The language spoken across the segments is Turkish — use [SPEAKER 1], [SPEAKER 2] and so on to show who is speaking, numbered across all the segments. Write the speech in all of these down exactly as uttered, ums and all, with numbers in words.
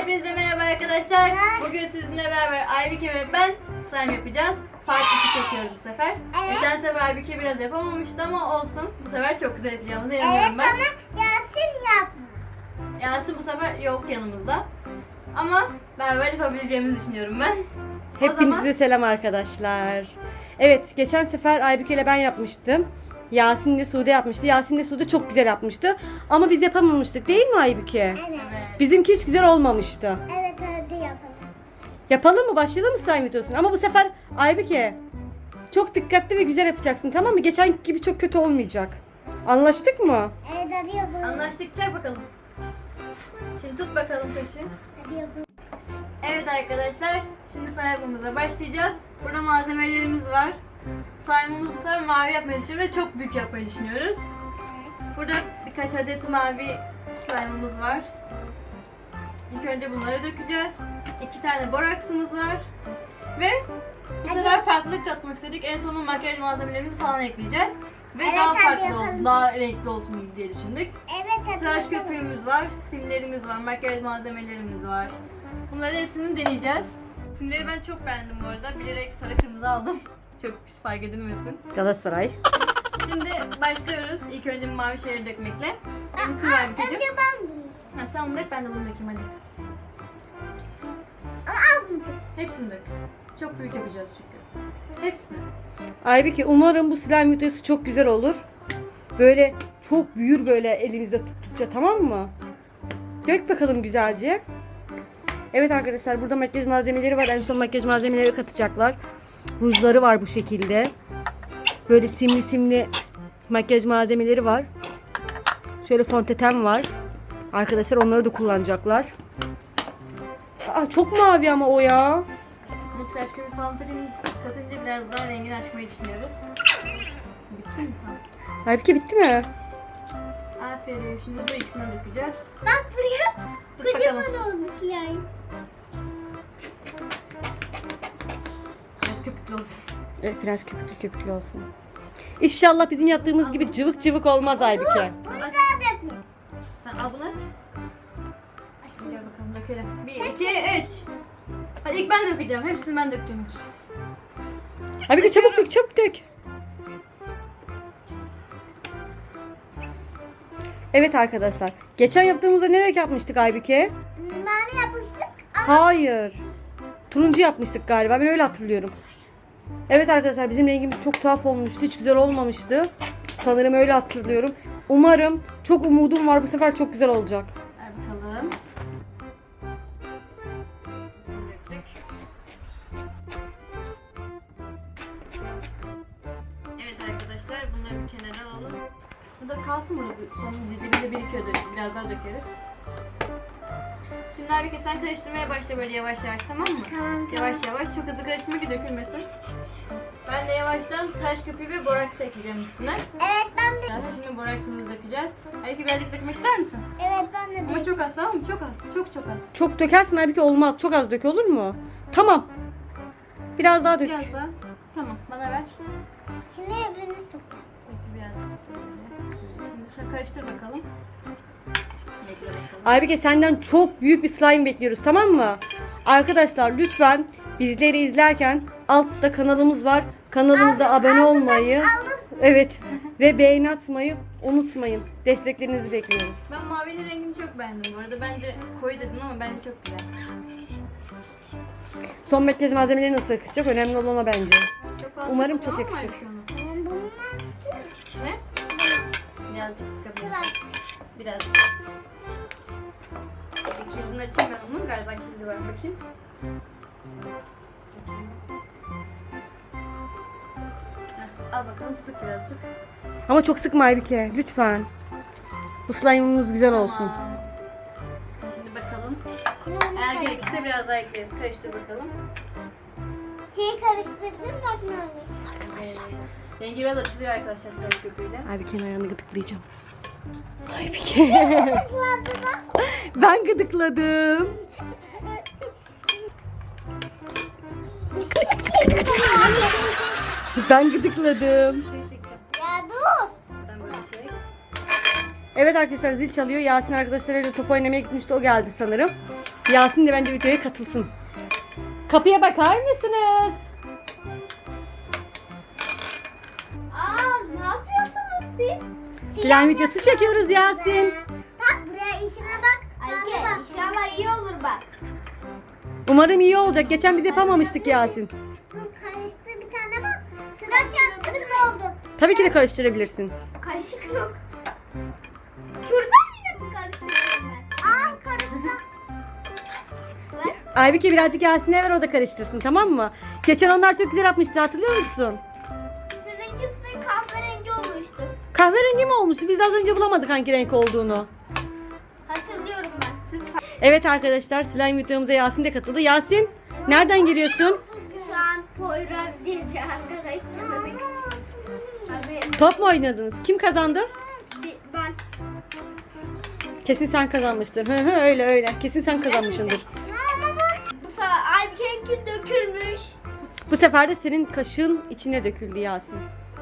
[SPEAKER 1] Hepinize merhaba arkadaşlar. Bugün sizinle beraber Aybüke ve ben slime yapacağız. Part iki çekiyoruz bu sefer.
[SPEAKER 2] Evet.
[SPEAKER 1] Geçen sefer Aybüke biraz yapamamıştı ama olsun. Bu sefer çok güzel yapacağımıza
[SPEAKER 2] Evet
[SPEAKER 1] inanıyorum ben.
[SPEAKER 2] ama Yasin yapma.
[SPEAKER 1] Yasin bu sefer yok yanımızda. Ama beraber yapabileceğimizi düşünüyorum ben. O
[SPEAKER 3] Hepinize
[SPEAKER 1] zaman
[SPEAKER 3] selam arkadaşlar. Evet, geçen sefer Aybüke ile ben yapmıştım. Yasin de Sude yapmıştı. Yasin de Sude çok güzel yapmıştı. Ama biz yapamamıştık değil mi Aybüke?
[SPEAKER 2] Evet.
[SPEAKER 1] evet.
[SPEAKER 3] Bizimki hiç güzel olmamıştı.
[SPEAKER 2] Evet hadi yapalım.
[SPEAKER 3] Yapalım mı? Başlayalım mı slime videosuna? Ama bu sefer Aybüke çok dikkatli ve güzel yapacaksın, tamam mı? Geçen gibi çok kötü olmayacak. Anlaştık mı?
[SPEAKER 2] Evet hadi yapalım.
[SPEAKER 1] Anlaştık, çak bakalım. Şimdi tut bakalım kaşı.
[SPEAKER 2] Hadi yapalım.
[SPEAKER 1] Evet arkadaşlar, şimdi slime yapımıza başlayacağız. Burada malzemelerimiz var. Slime'ımızı bu sefer mavi yapmayı düşünüyoruz ve çok büyük yapmayı düşünüyoruz. Burada birkaç adet mavi slime'ımız var. İlk önce bunları dökeceğiz. İki tane boraksımız var. Ve bu sefer farklılık katmak istedik. En sonunda makyaj malzemelerimizi falan ekleyeceğiz. Ve
[SPEAKER 2] Evet,
[SPEAKER 1] daha
[SPEAKER 2] hadi
[SPEAKER 1] farklı
[SPEAKER 2] yapalım.
[SPEAKER 1] olsun, daha renkli olsun diye düşündük.
[SPEAKER 2] Evet hadi
[SPEAKER 1] Tıraş
[SPEAKER 2] yapalım.
[SPEAKER 1] köpüğümüz var, simlerimiz var, makyaj malzemelerimiz var. Bunların hepsini deneyeceğiz. Simleri ben çok beğendim bu arada. Bilerek sarı kırmızı aldım. Çok fark edilmesin.
[SPEAKER 3] Galatasaray.
[SPEAKER 1] Şimdi başlıyoruz. İlk önce mavi şeyleri dökmekle. En su var bir
[SPEAKER 2] Önce ben bunu.
[SPEAKER 1] Ha, sen onu dök, ben de bunu dökeyim hadi.
[SPEAKER 2] Ama az mı?
[SPEAKER 1] Hepsini dök. Çok büyük yapacağız çünkü. Hepsini.
[SPEAKER 3] Aybüke, umarım bu slime videosu çok güzel olur. Böyle çok büyür böyle elimizde tuttukça, tamam mı? Dök bakalım güzelce. Evet arkadaşlar, burada makyaj malzemeleri var. En son makyaj malzemeleri katacaklar. Rujları var bu şekilde. Böyle simli simli makyaj malzemeleri var. Şöyle fondöten var. Arkadaşlar onları da kullanacaklar. Aa, çok mavi ama o ya.
[SPEAKER 1] Bu tıraş köpüğü falan takın- katınca biraz daha rengini açmayı düşünüyoruz. Bitti mi? Tamam.
[SPEAKER 3] Aybüke, bitti mi?
[SPEAKER 1] Aferin. Şimdi bu ikisini dökeceğiz.
[SPEAKER 2] Bak buraya.
[SPEAKER 1] Tut bakalım.
[SPEAKER 2] Kocaman oldu yani.
[SPEAKER 1] Biraz köpüklü olsun.
[SPEAKER 3] Evet, biraz köpüklü köpüklü olsun. İnşallah bizim yaptığımız gibi cıvık cıvık olmaz Aybüke.
[SPEAKER 2] Bunu daha dökme.
[SPEAKER 1] Ha, al bunu aç. Gel bakalım dökelim. Bir, iki, üç. Hadi ilk ben dökeceğim. Hepsini ben dökeceğim ilk.
[SPEAKER 3] Aybüke çabuk dök, çabuk dök. Evet arkadaşlar. Geçen yaptığımızda ne renk yapmıştık Aybüke?
[SPEAKER 2] Mavi yapmıştık ama
[SPEAKER 3] Hayır. Turuncu yapmıştık galiba. Ben öyle hatırlıyorum. Evet arkadaşlar, bizim rengimiz çok tuhaf olmuştu. Hiç güzel olmamıştı. Sanırım öyle hatırlıyorum. Umarım, çok umudum var, bu sefer çok güzel olacak.
[SPEAKER 1] Ver bakalım. Döktük. Evet arkadaşlar, bunları bir kenara alalım. Bu da kalsın burada. Son dibinde birikiyor. Biraz daha dökeriz. Şimdi abi sen karıştırmaya başla böyle yavaş yavaş, tamam mı?
[SPEAKER 2] Tamam, tamam.
[SPEAKER 1] Yavaş yavaş, çok hızlı karıştırma ki dökülmesin. Ben de yavaştan tıraş köpüğü ve boraks ekleyeceğim üstüne.
[SPEAKER 2] evet ben de.
[SPEAKER 1] Zaten şimdi boraksımızı dökeceğiz. Belki birazcık dökmek ister misin?
[SPEAKER 2] Evet ben de.
[SPEAKER 1] Ama çok az, tamam mı? Çok az. Çok çok az.
[SPEAKER 3] Çok dökersin Aybüke, olmaz. Çok az dök, olur mu? Tamam. Biraz daha dök.
[SPEAKER 1] Biraz daha. Tamam, bana ver.
[SPEAKER 2] Şimdi öbürünü sık.
[SPEAKER 1] Bekle birazcık. Şimdi karıştır bakalım. Bekle bakalım.
[SPEAKER 3] Aybüke, senden çok büyük bir slime bekliyoruz, tamam mı? Arkadaşlar lütfen bizleri izlerken altta kanalımız var. Kanalımıza abone olmayı,
[SPEAKER 2] Aldım.
[SPEAKER 3] evet, ve beğeni atmayı unutmayın. Desteklerinizi bekliyoruz.
[SPEAKER 1] Ben mavinin rengini çok beğendim bu arada. Bence koyu dedim ama bence çok güzel.
[SPEAKER 3] Son makyaj malzemeleri nasıl yakışacak? Önemli olan o bence.
[SPEAKER 1] Çok fazla
[SPEAKER 3] Umarım
[SPEAKER 1] sıkma,
[SPEAKER 3] çok
[SPEAKER 1] tamam mı
[SPEAKER 3] yakışır.
[SPEAKER 1] Aybüke onu?
[SPEAKER 2] Ben bununla
[SPEAKER 1] Ne? Birazcık sıkabilirsin.
[SPEAKER 2] Biraz.
[SPEAKER 1] Birazcık. Bir kilidini açayım ben onun. Galiba kilidi var. Bakayım. Heh, al bakalım, sık birazcık.
[SPEAKER 3] Ama çok sıkma Aybüke, lütfen. Bu slime'ımız güzel olsun.
[SPEAKER 1] Tamam. Şimdi bakalım.
[SPEAKER 2] Şimdi onu
[SPEAKER 1] Eğer
[SPEAKER 2] karıştır.
[SPEAKER 1] gerekirse biraz daha ekleriz. Karıştır bakalım.
[SPEAKER 2] Şeyi karıştırdın bak mavi.
[SPEAKER 1] Arkadaşlar. Rengi biraz açılıyor arkadaşlar tıraş köpüğüyle.
[SPEAKER 3] Aybüke'nin ayağını gıdıklayacağım. Aybüke.
[SPEAKER 2] Kızlardı bak.
[SPEAKER 3] Ben gıdıkladım. Ben gıdıkladım.
[SPEAKER 1] Şurayı çekeceğim.
[SPEAKER 2] Ya dur.
[SPEAKER 1] Ben böyle şey.
[SPEAKER 3] Evet arkadaşlar, zil çalıyor. Yasin arkadaşlarıyla top oynamaya gitmişti. O geldi sanırım. Yasin de bence videoya katılsın. Kapıya bakar mısınız?
[SPEAKER 2] Aa, ne yapıyorsunuz siz?
[SPEAKER 3] Slime videosu çekiyoruz Yasin.
[SPEAKER 2] Bak buraya işime bak. Ayke inşallah iyi olur bak.
[SPEAKER 3] Umarım iyi olacak. Geçen biz yapamamıştık Yasin.
[SPEAKER 2] Dur karıştı bir tane bak. Tıraş yaptım ne oldu?
[SPEAKER 3] Tabii ki de karıştırabilirsin.
[SPEAKER 2] Karışık yok. Şuradan yine mi karıştırıyorum ben? Aa karıştı.
[SPEAKER 3] Aybüke birazcık Yasin'e ver, o da karıştırsın, tamam mı? Geçen onlar çok güzel yapmıştı, hatırlıyor musun?
[SPEAKER 2] Sizinkisi kahverengi olmuştu.
[SPEAKER 3] Kahverengi mi olmuştu? Biz de az önce bulamadık hangi renk olduğunu.
[SPEAKER 2] Hatırlıyorum ben.
[SPEAKER 1] Siz
[SPEAKER 3] Evet arkadaşlar, slime videomuza Yasin de katıldı. Yasin, nereden geliyorsun?
[SPEAKER 2] Şu an Poyraz diye bir arkadaş tanıdık. Haberim.
[SPEAKER 3] Top mu oynadınız? Kim kazandı?
[SPEAKER 2] Bir- Ben.
[SPEAKER 3] Kesin sen kazanmıştır. Hı hı, öyle öyle. Kesin sen kazanmışsındır.
[SPEAKER 2] Ya ama bu. Bu sefer Aybüke'ninki dökülmüş.
[SPEAKER 3] Bu sefer de senin kaşığın içine döküldü Yasin.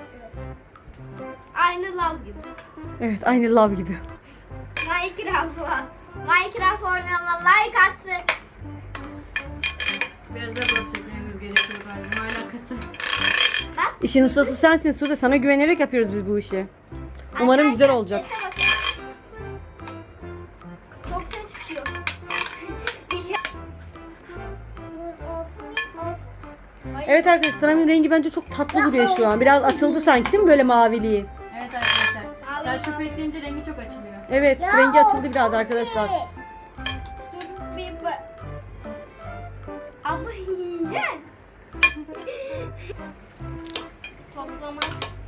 [SPEAKER 2] Aynı lav gibi.
[SPEAKER 3] Evet, aynı lav gibi.
[SPEAKER 2] Minecraft'a. Minecraft oynayanlar like atsın.
[SPEAKER 1] biraz da boş eklememiz gerekiyor galiba. Hala katı.
[SPEAKER 3] İşin ustası sensin Sude. Sana güvenerek yapıyoruz biz bu işi. Umarım güzel olacak.
[SPEAKER 2] Sese bakın. Çok ses çıkıyor.
[SPEAKER 3] Evet arkadaşlar, slime'ın rengi bence çok tatlı duruyor şu an. Biraz açıldı sanki, değil mi, böyle maviliği?
[SPEAKER 1] Evet arkadaşlar. Saç köpüğü ekleyince rengi çok açılıyor.
[SPEAKER 3] Evet, rengi açıldı biraz arkadaşlar.
[SPEAKER 2] Bir bak. Ama yiyeceksin. Toplama.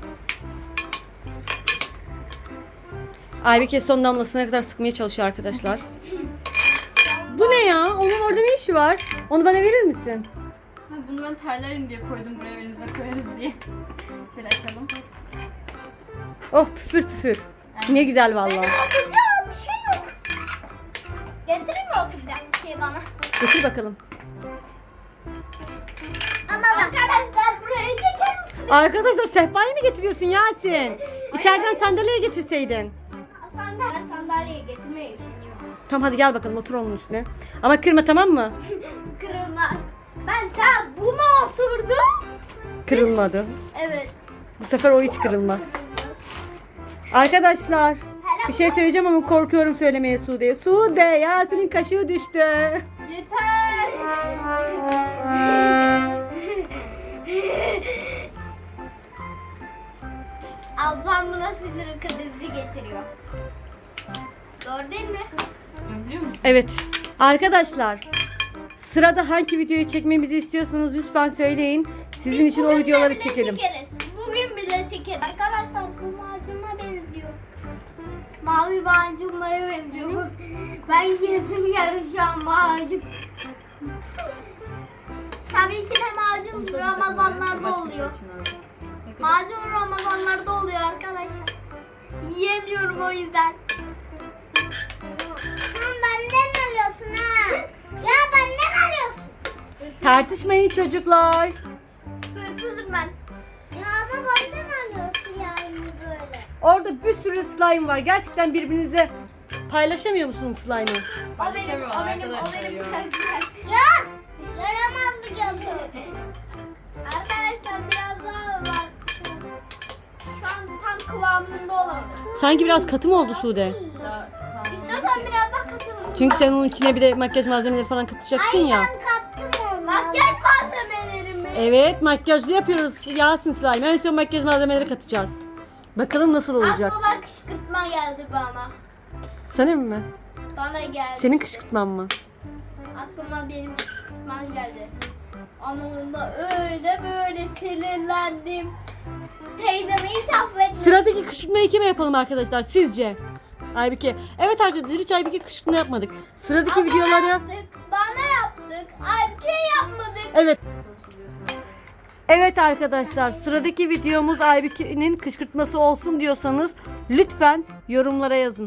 [SPEAKER 3] Aybüke son damlasına kadar sıkmaya çalışıyor arkadaşlar. Bu ne ya? Onun orada ne işi var? Onu bana verir misin?
[SPEAKER 1] Ha, bunu ben terlerim diye koydum buraya, elimize koyarız diye. Şöyle açalım.
[SPEAKER 3] Oh, püfür püfür. Ne güzel vallahi.
[SPEAKER 2] Oturacağım bir şey yok. Getireyim mi oturacağım bir şey bana?
[SPEAKER 3] Getir bakalım.
[SPEAKER 2] Ama arkadaşlar buraya çeker misiniz?
[SPEAKER 3] Arkadaşlar, sehpayı mı getiriyorsun Yasin? İçeriden sandalye getirseydin.
[SPEAKER 2] Sandalye, sandalye getirmeyi düşünüyorum.
[SPEAKER 3] Tamam hadi gel bakalım, otur onun üstüne. Ama kırma, tamam mı?
[SPEAKER 2] Kırılmaz. Ben tam buna oturdum.
[SPEAKER 3] Kırılmadı.
[SPEAKER 2] Evet.
[SPEAKER 3] Bu sefer o hiç kırılmaz. Arkadaşlar, bir şey söyleyeceğim ama korkuyorum söylemeye Sude'ye. Sude, Yasin'in kaşığı düştü.
[SPEAKER 1] Yeter!
[SPEAKER 2] Ablam buna sinir krizi getiriyor. Doğru değil mi?
[SPEAKER 1] Biliyor musun?
[SPEAKER 3] Evet. Arkadaşlar, sırada hangi videoyu çekmemizi istiyorsanız lütfen söyleyin. Sizin için o
[SPEAKER 2] Bugün
[SPEAKER 3] videoları
[SPEAKER 2] bile
[SPEAKER 3] çekelim.
[SPEAKER 2] çekeriz. Bugün bile çekeriz. Arkadaşlar bu macuna benziyor. Mavi macunlara benziyor. Ben yesim geldi şu an macun. Tabii ki de macun Ramazanlarda oluyor. Macun Ramazanlarda oluyor arkadaşlar. Yiyemiyorum o yüzden. Sen benden alıyorsun ha. Ya benden alıyorsun.
[SPEAKER 3] Tartışmayın çocuklar.
[SPEAKER 2] Hırsızım ben. Ya ama benden alıyorsun yani böyle.
[SPEAKER 3] Orada bir sürü slime var. Gerçekten birbirinize paylaşamıyor musunuz slime'ı?
[SPEAKER 2] O benim, o
[SPEAKER 1] Paylaşamıyorlar
[SPEAKER 2] benim, o
[SPEAKER 1] arkadaşlar
[SPEAKER 2] benim
[SPEAKER 1] ya.
[SPEAKER 2] karakter. Ya! Yaramazlık yapıyor. Arkadaşlar biraz daha var. Şu an tam kıvamında olamadı.
[SPEAKER 3] Sanki biraz katı mı oldu Sude?
[SPEAKER 1] Daha tamam.
[SPEAKER 2] İstiyorsan biraz daha katılın.
[SPEAKER 3] Çünkü sen onun içine bir de makyaj malzemeleri falan katacaksın ya.
[SPEAKER 2] kattım onu. Makyaj malzemelerimi.
[SPEAKER 3] Evet, makyajlı yapıyoruz Yasin slime. En son makyaj malzemeleri katacağız. Bakalım nasıl olacak.
[SPEAKER 2] Aklıma kışkırtma geldi bana.
[SPEAKER 3] Senin mi?
[SPEAKER 2] Bana geldi.
[SPEAKER 3] Senin kışkırtman mı?
[SPEAKER 2] Aklıma benim kışkırtmam geldi. Ama onda öyle böyle sinirlendim. Teyzemi hiç affetmedim.
[SPEAKER 3] Sıradaki kışkırtmayı kime yapalım arkadaşlar sizce? Aybüke. Evet arkadaşlar, hiç Aybüke kışkırtma yapmadık. Sıradaki
[SPEAKER 2] Ama
[SPEAKER 3] videoları...
[SPEAKER 2] yaptık, bana yaptık. Aybüke yapmadık.
[SPEAKER 3] Evet. Evet arkadaşlar, sıradaki videomuz Aybüke'nin kışkırtması olsun diyorsanız lütfen yorumlara yazın.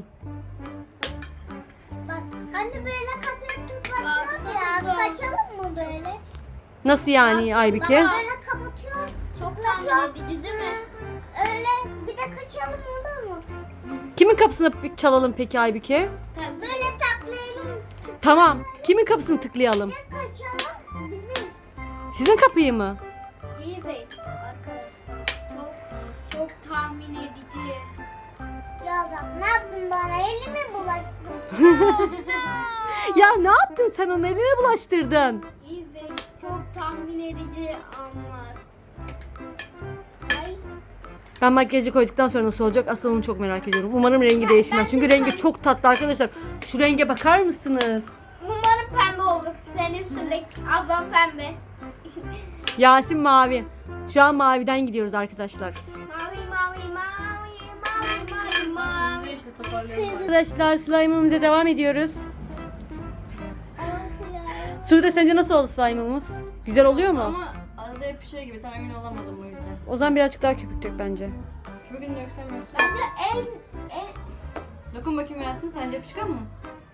[SPEAKER 2] Bak hani böyle kapıyı kapatıyoruz ya. Kaçalım mı böyle?
[SPEAKER 3] Nasıl yani Aybüke?
[SPEAKER 2] Böyle kapatıyor. Çok tahmin edici değil mi? Öyle bir de kaçalım olur mu?
[SPEAKER 3] Kimin kapısını çalalım peki Aybüke?
[SPEAKER 2] Böyle taklayalım.
[SPEAKER 3] Tamam. Kimin kapısını tıklayalım?
[SPEAKER 2] Kaçalım. Bizim.
[SPEAKER 3] Sizin kapıyı mı?
[SPEAKER 2] İyi değil arkadaşlar. Çok çok tahmin edici. Ya bak ne yaptın bana? Elimi bulaştırdın.
[SPEAKER 3] Ya ne yaptın sen onu eline bulaştırdın?
[SPEAKER 2] İyi değil. Çok tahmin edici anlar. Ay.
[SPEAKER 3] Ben makyajı koyduktan sonra nasıl olacak? Asıl onu çok merak ediyorum. Umarım rengi değişmez. Çünkü rengi çok tatlı arkadaşlar. Şu renge bakar mısınız?
[SPEAKER 2] Umarım pembe olur. Senin üstündeki ablam pembe.
[SPEAKER 3] Yasin mavi. Şu an maviden gidiyoruz arkadaşlar.
[SPEAKER 2] Mavi mavi mavi mavi mavi mavi.
[SPEAKER 1] Şimdi işte toparlıyorum.
[SPEAKER 3] Arkadaşlar slime'ımıza devam ediyoruz. Sude sence nasıl oldu slime'ımız? Güzel oluyor mu?
[SPEAKER 1] Ama arada yapışıyor gibi, tam emin olamadım o yüzden.
[SPEAKER 3] O zaman birazcık daha köpük dök bence.
[SPEAKER 1] Bugün döksem yoksa.
[SPEAKER 2] Bence en en
[SPEAKER 1] Dokun bakayım Yasin, sence yapışkan mı?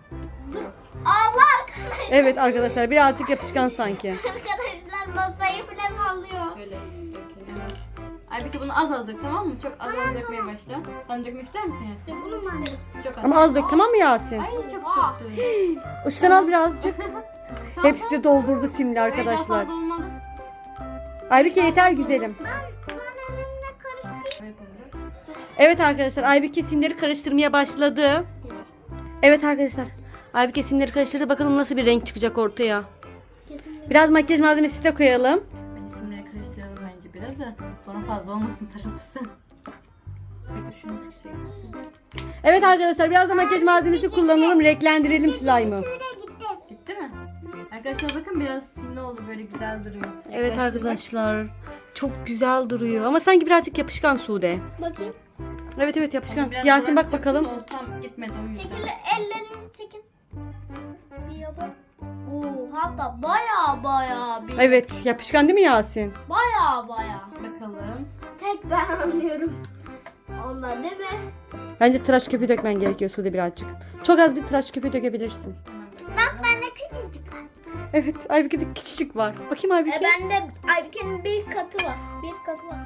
[SPEAKER 2] Allah arkadaşlar.
[SPEAKER 3] Evet arkadaşlar birazcık yapışkan sanki.
[SPEAKER 2] Arkadaşlar masayı bile sallıyor.
[SPEAKER 1] Şöyle dökelim. Aybüke bunu az az dök, tamam mı? Çok az az dökmeye başla. Sen dökmek ister misin Yasin?
[SPEAKER 2] Bunu mu?
[SPEAKER 1] Çok az.
[SPEAKER 3] Ama az dök tamam mı Yasin?
[SPEAKER 1] Ay çok döktün.
[SPEAKER 3] Üstten al birazcık.
[SPEAKER 1] Tamam,
[SPEAKER 3] Hepsi de doldurdu simli
[SPEAKER 1] Hayır, daha
[SPEAKER 3] arkadaşlar.
[SPEAKER 1] fazla olmaz.
[SPEAKER 3] Aybüke yeter güzelim.
[SPEAKER 2] Ben, ben elimle karıştırdım.
[SPEAKER 1] Böyle yapalım.
[SPEAKER 3] Evet arkadaşlar Aybüke simleri karıştırmaya başladı. Evet arkadaşlar. Aybüke simleri karıştırdı. Bakalım nasıl bir renk çıkacak ortaya. Biraz makyaj malzemesi de koyalım.
[SPEAKER 1] Bence simleri karıştıralım bence biraz da. Sonra fazla olmasın parıltısı. Peki şunu bir şey yapsın.
[SPEAKER 3] Evet arkadaşlar biraz da makyaj malzemesi kullanalım. Renklendirelim slime'ı.
[SPEAKER 1] Gitti mi? Arkadaşlar bakın biraz simli oldu, böyle güzel duruyor.
[SPEAKER 3] Evet
[SPEAKER 1] Yaklaştır bak.
[SPEAKER 3] arkadaşlar. Çok güzel duruyor. Ama sanki birazcık yapışkan Sude.
[SPEAKER 2] Bakayım.
[SPEAKER 3] Evet evet yapışkan.
[SPEAKER 1] Biraz
[SPEAKER 3] Yasin bak
[SPEAKER 1] uğraştım,
[SPEAKER 3] bakalım.
[SPEAKER 1] oldu, tam gitmedi o yüzden.
[SPEAKER 2] Çekil ellerinizi çekin. Bir yapın. Oo, hatta baya baya bir.
[SPEAKER 3] Evet yapışkan değil mi Yasin?
[SPEAKER 2] Baya baya.
[SPEAKER 1] Bakalım.
[SPEAKER 2] Tek ben anlıyorum. Onda değil mi?
[SPEAKER 3] Bence tıraş köpüğü dökmen gerekiyor Sude birazcık. Çok az bir tıraş köpüğü dökebilirsin.
[SPEAKER 2] Bak bende küçücük var.
[SPEAKER 3] Evet Aybüke'de küçücük var. Bakayım Aybüke.
[SPEAKER 2] E bende Aybüke'nin bir katı var. Bir katı var.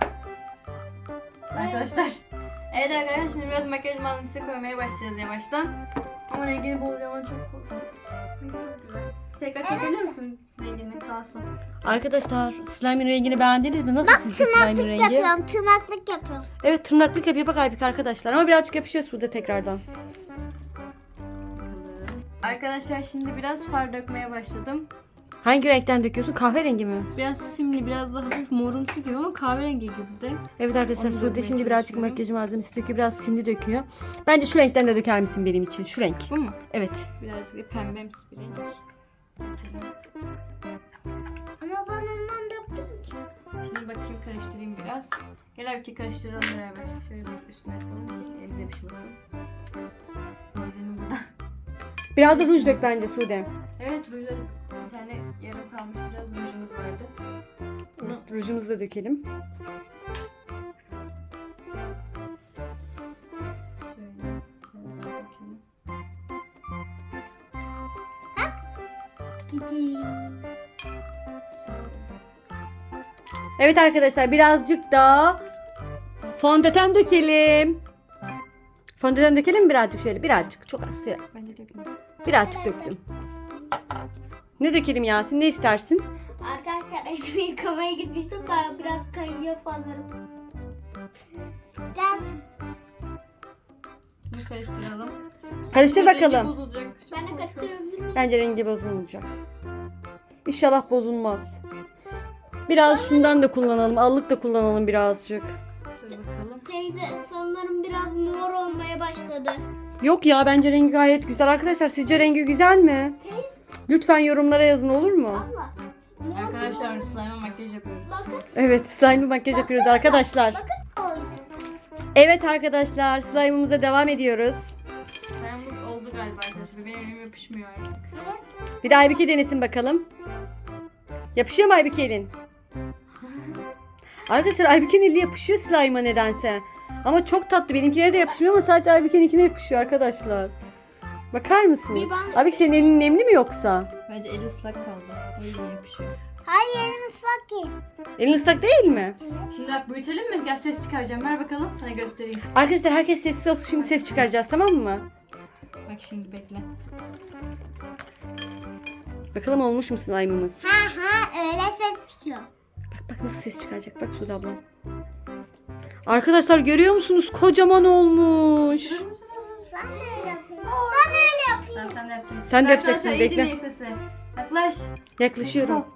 [SPEAKER 1] Arkadaşlar. Evet arkadaşlar, şimdi biraz makyaj malzemesi koymaya başlayacağız yavaştan. Ama rengini bozacağına çok korkuyorum. Çünkü çok güzel. Tekrar çekebilir misin rengini kalsın?
[SPEAKER 3] Arkadaşlar slime'ın rengini beğendiniz mi? Nasıl sizce slime'ın rengi?
[SPEAKER 2] tırnaklık yapıyorum.
[SPEAKER 3] Evet tırnaklık yapıyor bak Aybüke arkadaşlar. Ama birazcık yapışıyor Sude tekrardan.
[SPEAKER 1] Bakalım. Arkadaşlar şimdi biraz far dökmeye başladım.
[SPEAKER 3] Hangi renkten döküyorsun? Kahverengi mi?
[SPEAKER 1] Biraz simli, biraz da hafif morumsu gibi ama kahverengi gibi de.
[SPEAKER 3] Evet arkadaşlar
[SPEAKER 1] Onu
[SPEAKER 3] Sude
[SPEAKER 1] dökmeye
[SPEAKER 3] şimdi birazcık
[SPEAKER 1] çalışıyorum.
[SPEAKER 3] makyaj malzemesi döküyor. Biraz simli döküyor. Bence şu renkten de döker misin benim için? Şu renk.
[SPEAKER 1] Bu mu?
[SPEAKER 3] Evet.
[SPEAKER 1] Birazcık da pembemsi bir renk.
[SPEAKER 2] Ama ben ondan döktüm ki.
[SPEAKER 1] Şimdi bakayım, karıştırayım biraz. Gel bir karıştıralım beraber. Şöyle dur üstüne yapalım ki elimize yapışmasın. Gözlerim burada.
[SPEAKER 3] Biraz da ruj dök bence Sude.
[SPEAKER 1] Evet, rujda bir tane yarım kalmış biraz rujumuz vardı. Bunu
[SPEAKER 3] Rujumuzu da dökelim.
[SPEAKER 1] şöyle birazcık dökelim.
[SPEAKER 3] Evet arkadaşlar birazcık daha fondöten dökelim. Fondöten dökelim mi birazcık şöyle birazcık çok az.
[SPEAKER 1] Bence dökmedim.
[SPEAKER 3] Birazcık döktüm. Ne dökelim Yasin? Ne istersin?
[SPEAKER 2] Arkadaşlar elimi yıkamaya gitmiştim daha biraz kayıyor sanırım. Biraz
[SPEAKER 1] Şimdi karıştıralım.
[SPEAKER 3] Karıştır
[SPEAKER 1] Rengi
[SPEAKER 3] bakalım.
[SPEAKER 1] bozulacak. Çok
[SPEAKER 2] ben de
[SPEAKER 1] korkuyorum.
[SPEAKER 2] karıştırabilir miyim?
[SPEAKER 3] Bence rengi bozulmayacak. İnşallah bozulmaz. Biraz şundan da kullanalım. Allık da kullanalım birazcık.
[SPEAKER 1] Dur bakalım.
[SPEAKER 2] Teyze sanırım biraz mor olmaya başladı.
[SPEAKER 3] Yok ya bence rengi gayet güzel. Arkadaşlar sizce rengi güzel mi?
[SPEAKER 2] Teyze
[SPEAKER 3] Lütfen yorumlara yazın olur mu?
[SPEAKER 2] abla. Mor
[SPEAKER 1] Arkadaşlar slime'a makyaj yapıyoruz.
[SPEAKER 2] bakın.
[SPEAKER 3] Evet slime makyaj yapıyoruz arkadaşlar.
[SPEAKER 2] Bakın.
[SPEAKER 3] Evet arkadaşlar slime'ımıza devam ediyoruz.
[SPEAKER 1] Slime'ımız oldu galiba arkadaşlar. Benim elim yapışmıyor artık.
[SPEAKER 3] Bir de Aybüke denesin bakalım. Yapışıyor mu Aybüke elin? Arkadaşlar Aybüke'nin eli yapışıyor slime'a nedense. Ama çok tatlı. Benimkine de yapışmıyor ama sadece Aybüke'ninkine yapışıyor arkadaşlar. Bakar mısınız?
[SPEAKER 2] Bir ben-
[SPEAKER 3] Aybüke senin elin nemli mi yoksa?
[SPEAKER 1] Bence eli ıslak kaldı. O yüzden yapışıyor.
[SPEAKER 2] Hayır elim ıslak değil.
[SPEAKER 3] Elin ıslak değil mi?
[SPEAKER 1] Şimdi bak büyütelim mi? Gel ses çıkaracağım. Ver bakalım sana göstereyim.
[SPEAKER 3] Arkadaşlar herkes sessiz olsun. Şimdi ses çıkaracağız tamam mı?
[SPEAKER 1] Bak şimdi bekle.
[SPEAKER 3] Bakalım olmuş mu slime'ımız?
[SPEAKER 2] Ha ha öyle ses çıkıyor.
[SPEAKER 3] Bak bak nasıl ses çıkaracak. Bak Sude abla. Arkadaşlar görüyor musunuz? Kocaman olmuş.
[SPEAKER 2] Ben de öyle yapayım. Ben de öyle yapayım.
[SPEAKER 1] Tamam sen de yapacaksın.
[SPEAKER 3] Sen de yapacaksın,
[SPEAKER 1] Arkadaşlar, iyi
[SPEAKER 3] bekle.
[SPEAKER 1] dinleyin sesi. Yaklaş.
[SPEAKER 3] Yaklaşıyorum.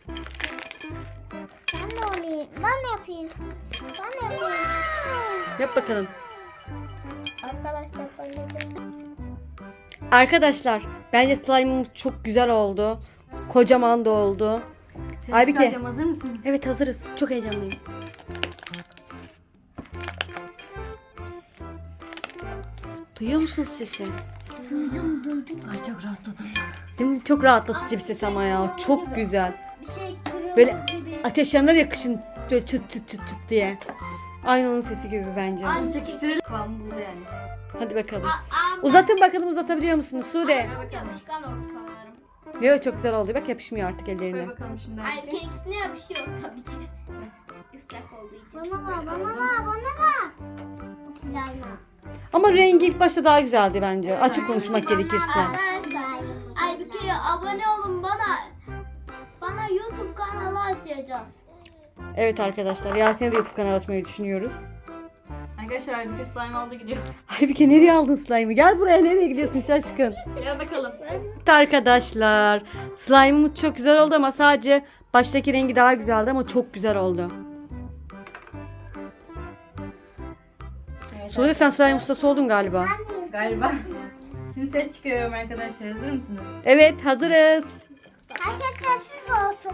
[SPEAKER 2] Ben de olayım. Ben de yapayım. Ben de yapayım.
[SPEAKER 3] Yap bakalım.
[SPEAKER 2] Arkadaşlar oynadım.
[SPEAKER 3] Arkadaşlar bence slime'ımız çok güzel oldu. Kocaman da oldu.
[SPEAKER 1] Ses
[SPEAKER 3] Aybike.
[SPEAKER 1] çıkaracağım, hazır mısınız?
[SPEAKER 3] Evet hazırız. Çok heyecanlıyım. Duyuyor musunuz sesi?
[SPEAKER 2] Duydum duydum.
[SPEAKER 1] Ay çok rahatladım.
[SPEAKER 3] Değil mi? Çok rahatlatıcı bir ses ama ya. Çok güzel.
[SPEAKER 2] Bir şey kırıldı
[SPEAKER 3] Böyle
[SPEAKER 2] gibi.
[SPEAKER 3] ateş yanar ya kışın böyle çıt çıt çıt çıt diye. Aynı onun sesi gibi bence.
[SPEAKER 1] Ay çekiştirelim. Kıvamı buldu yani.
[SPEAKER 3] Hadi bakalım.
[SPEAKER 2] Aa,
[SPEAKER 3] Uzatın bakalım uzatabiliyor musunuz Sude?
[SPEAKER 2] yapışkan oldu sanırım.
[SPEAKER 3] Yok çok güzel oldu. Bak yapışmıyor artık
[SPEAKER 1] Koy
[SPEAKER 3] ellerine.
[SPEAKER 1] bakalım şimdi.
[SPEAKER 2] Ay
[SPEAKER 1] Aybike.
[SPEAKER 2] kendisine yapışıyor tabii ki. Islak olduğu için. Bana ver, bana ver, bana ver. Slime.
[SPEAKER 3] Ama rengi ilk başta daha güzeldi bence. Açık konuşmak gerekirse.
[SPEAKER 2] Ay bir kere abone olun bana. Bana YouTube kanalı açacağız.
[SPEAKER 3] Evet arkadaşlar Yasin'e de YouTube kanalı açmayı düşünüyoruz.
[SPEAKER 1] Arkadaşlar Aybike slime aldı gidiyor.
[SPEAKER 3] Aybike nereye aldın slime'ı? Gel buraya nereye gidiyorsun şaşkın?
[SPEAKER 1] Gel bakalım.
[SPEAKER 3] Evet arkadaşlar slime'ımız çok güzel oldu ama sadece baştaki rengi daha güzeldi ama çok güzel oldu.
[SPEAKER 1] Evet,
[SPEAKER 3] Sude sen slime ustası oldun galiba.
[SPEAKER 1] galiba. Şimdi ses çıkarıyorum arkadaşlar. Hazır mısınız?
[SPEAKER 3] Evet hazırız.
[SPEAKER 2] Herkes sessiz olsun.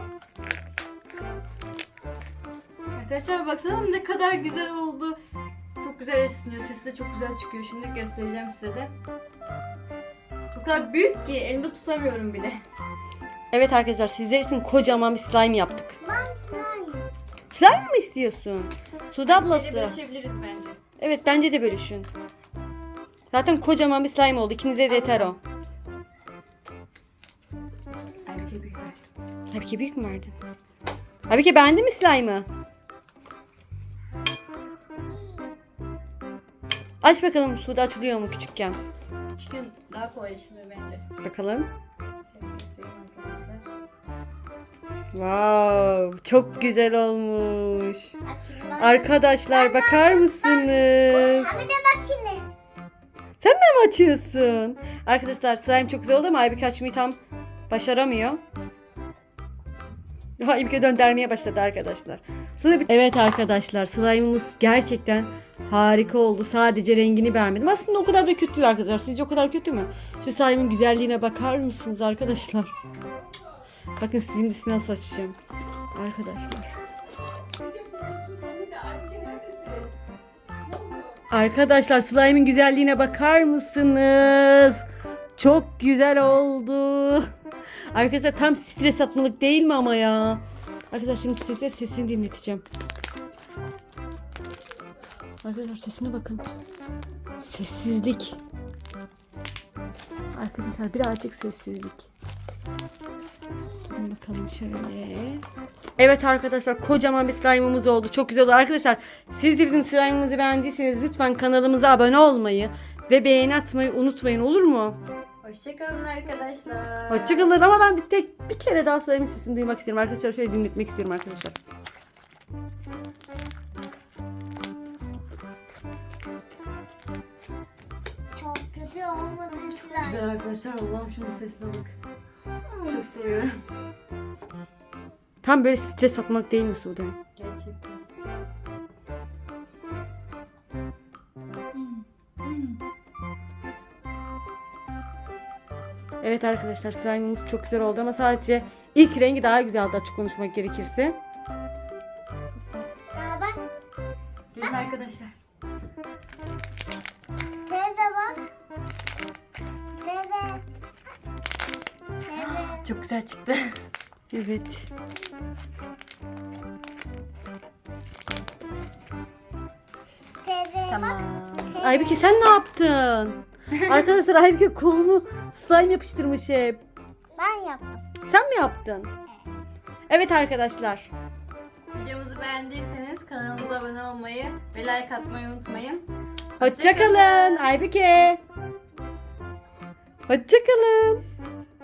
[SPEAKER 1] Arkadaşlar baksana ne kadar güzel oldu. Çok güzel esniyor. Sesi de çok güzel çıkıyor. Şimdi göstereceğim size de. O kadar büyük ki elimde tutamıyorum bile.
[SPEAKER 3] Evet arkadaşlar sizler için kocaman bir slime yaptık.
[SPEAKER 2] Ben slime.
[SPEAKER 3] Slime mı istiyorsun? Sude
[SPEAKER 1] Böyle
[SPEAKER 3] ablası.
[SPEAKER 1] bölüşebiliriz bence.
[SPEAKER 3] Evet bence de bölüşün. Zaten kocaman bir slime oldu. İkinize de yeter o.
[SPEAKER 1] Aybike büyük ver.
[SPEAKER 3] Aybike büyük mü verdin? Aybike beğendin mi slime'ı? Aç bakalım Sude açılıyor mu küçükken?
[SPEAKER 1] Çıkın daha kolay işimiz bence.
[SPEAKER 3] Bakalım.
[SPEAKER 1] Şöyle göstereyim arkadaşlar.
[SPEAKER 3] Wow, çok güzel olmuş. Arkadaşlar bakar mısınız?
[SPEAKER 2] Bir de bak şimdi.
[SPEAKER 3] Sen de mi açıyorsun? Arkadaşlar slime çok güzel oldu ama Aybike açmayı tam başaramıyor. Aybike döndürmeye başladı arkadaşlar. Sonra bir... Evet arkadaşlar slime'ımız gerçekten harika oldu. Sadece rengini beğenmedim. Aslında o kadar da kötü değil arkadaşlar. Sizce o kadar kötü mü? Şu slime'ın güzelliğine bakar mısınız arkadaşlar? Bakın şimdi size nasıl açacağım. Arkadaşlar. Arkadaşlar slime'ın güzelliğine bakar mısınız? Çok güzel oldu. Arkadaşlar tam stres atmalık değil mi ama ya? Arkadaşlar şimdi size sesini dinleteceğim. Arkadaşlar sesine bakın. Sessizlik. Arkadaşlar birazcık sessizlik. Durun bakalım şöyle. Evet arkadaşlar kocaman bir slime'ımız oldu. Çok güzel oldu. Arkadaşlar siz de bizim slime'ımızı beğendiyseniz lütfen kanalımıza abone olmayı ve beğeni atmayı unutmayın, olur mu?
[SPEAKER 1] Hoşçakalın arkadaşlar.
[SPEAKER 3] Hoşçakalın ama ben bir tek bir kere daha slime'ın sesini duymak istiyorum arkadaşlar. Şöyle dinletmek istiyorum arkadaşlar.
[SPEAKER 2] Çok kötü olmadı slime.
[SPEAKER 1] Güzel arkadaşlar. Allah'ım şunun sesine bak. Çok seviyorum.
[SPEAKER 3] Tam böyle stres atmak değil mi Sude?
[SPEAKER 1] Gerçekten.
[SPEAKER 3] Evet arkadaşlar slime'ımız çok güzel oldu ama sadece ilk rengi daha güzeldi açık konuşmak gerekirse.
[SPEAKER 2] Ya bak.
[SPEAKER 1] Gelin arkadaşlar.
[SPEAKER 2] Teyze bak. Teyze. Teyze.
[SPEAKER 1] Çok güzel çıktı.
[SPEAKER 3] Evet.
[SPEAKER 2] Teyze
[SPEAKER 1] Tamam.
[SPEAKER 2] bak.
[SPEAKER 3] Aybike sen ne yaptın? Arkadaşlar Aybike kolunu slime yapıştırmış hep.
[SPEAKER 2] Ben yaptım.
[SPEAKER 3] Sen mi yaptın? Evet arkadaşlar.
[SPEAKER 1] Videomuzu beğendiyseniz kanalımıza abone olmayı ve like atmayı unutmayın.
[SPEAKER 3] Hoşçakalın Aybike. Hoşçakalın.